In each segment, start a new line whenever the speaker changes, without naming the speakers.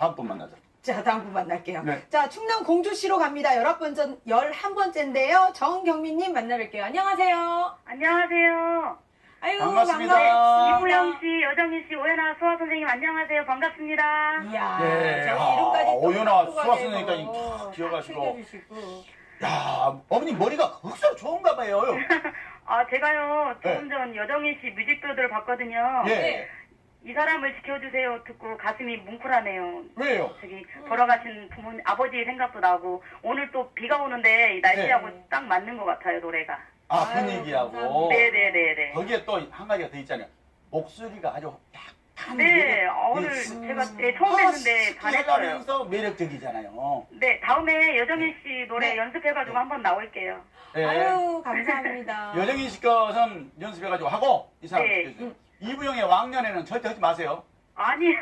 다음 분 만나자.
자, 다음 분 만날게요.
네.
자, 충남 공주시로 갑니다. 11번째인데요. 정경민님 만나뵐게요. 안녕하세요.
안녕하세요.
아유,
반갑습니다.
이보영 씨, 여정희 씨, 오연아 수화 선생님 안녕하세요. 반갑습니다.
이야,
네.
저희
아,
이름까지 또
오연아
각도가
수화
되고
선생님까지 탁
다
기억하시고.
챙겨주시고.
야, 어머니 머리가 흑수로 좋은가 봐요.
아, 제가요,
네.
조금 전 여정희 씨 뮤직비디오를 봤거든요.
예.
네.
이 사람을 지켜주세요 듣고 가슴이 뭉클하네요.
왜요?
저기 돌아가신 부모님, 아버지 생각도 나고 오늘 또 비가 오는데 이 날씨하고
네.
딱 맞는 것 같아요, 노래가.
아,
아유,
분위기하고.
감사합니다.
네네네네.
거기에 또 한 가지가 더 있잖아요. 목소리가 아주 약간.
네, 오늘 제가 처음 뵀는데 반했어요.
하면서 매력적이잖아요.
네, 다음에 여정희 씨 노래
네.
연습해가지고 한번 나올게요.
예.
아유, 감사합니다.
여정희 씨 것은 연습해가지고 하고, 이 사람
네.
시켜주세요. 이부영의 왕년에는 절대 하지 마세요.
아니요.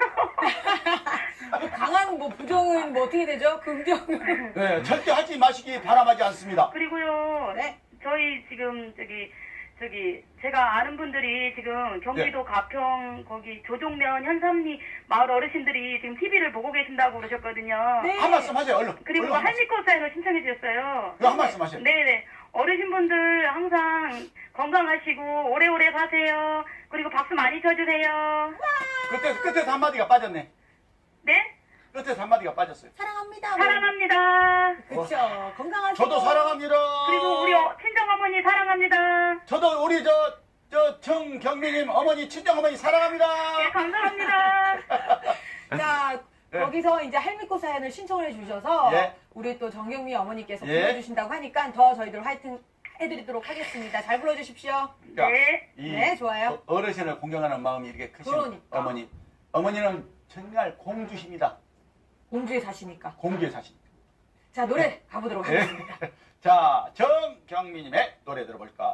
강한 뭐 부정은 뭐 어떻게 되죠? 긍정은.
네, 절대 하지 마시기 바람하지 않습니다.
그리고요,
네.
저희 지금 제가 아는 분들이 지금 경기도 가평 거기 조종면 현삼리 마을 어르신들이 지금 TV를 보고 계신다고 그러셨거든요.
네.
한 말씀 하세요, 얼른.
그리고
얼른 한 말씀.
할미꽃 사연을 신청해 주셨어요.
한 말씀 하세요.
네네. 어르신분들 항상 건강하시고 오래오래 사세요. 그리고 박수 많이 쳐주세요.
끝에서 한마디가 빠졌네.
네?
끝에서 한마디가 빠졌어요.
사랑합니다.
사랑합니다.
그쵸. 건강하세요.
저도 사랑합니다.
그리고 우리 친정어머니 사랑합니다.
저도 우리 정경민님 어머니, 친정어머니 사랑합니다.
네, 감사합니다.
자,
네.
거기서 이제 할미꽃 사연을 신청을 해주셔서
예.
우리 또 정경미 어머니께서
예.
불러주신다고 하니까 더 저희들 화이팅 해드리도록 하겠습니다. 잘 불러주십시오.
그러니까
네.
이
네, 좋아요.
어르신을 공경하는 마음이 이렇게 크신
그러니까.
어머니는 정말 공주십니다.
공주에 사시니까.
공주에 사십니다.
자, 노래 가보도록
네.
하겠습니다.
자, 정경민님의 노래 들어볼까요?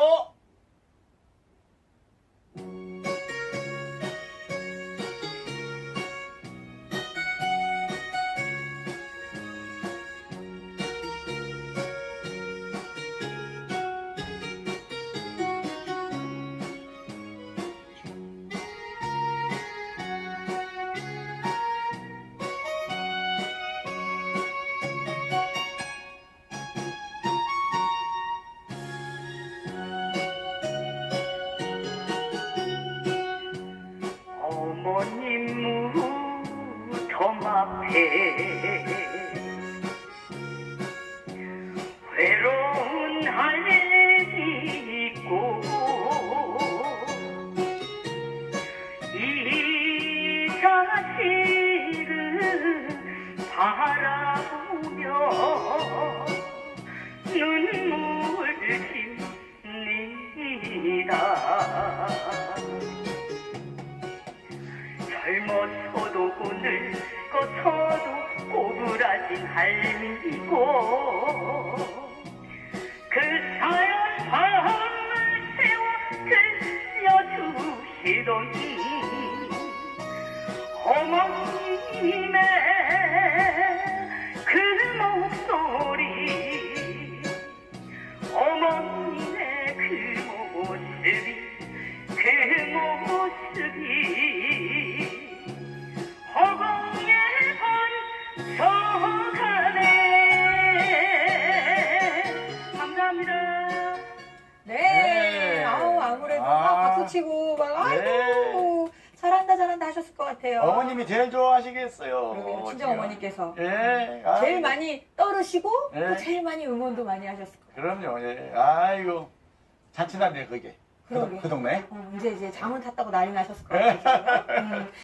어머님 무덤 앞에 외로운 할미 있고 이 자식을 바라보며 눈물 칩니다. 젊어서도 늙어서도 꼬부라진 할미고 그 사연 밤을 새워 들려주시던 어머님의 그 목소리 어머님의 그 모습이 허공에 번져가네. 감사합니다.
네.
네.
아우, 아무래도
아.
막 박수치고 막 아이고 잘한다 하셨을 것 같아요.
어머님이 제일 좋아하시겠어요.
그러게요. 친정 어머니께서
예.
제일 많이 떨으시고
네.
또 제일 많이 응원도 많이 하셨을 거예요.
그럼요. 예. 아이고. 잔치날이네, 그게.
그러게.
그 동네.
이제 잠은 탔다고 난리 나셨을 것 같아요.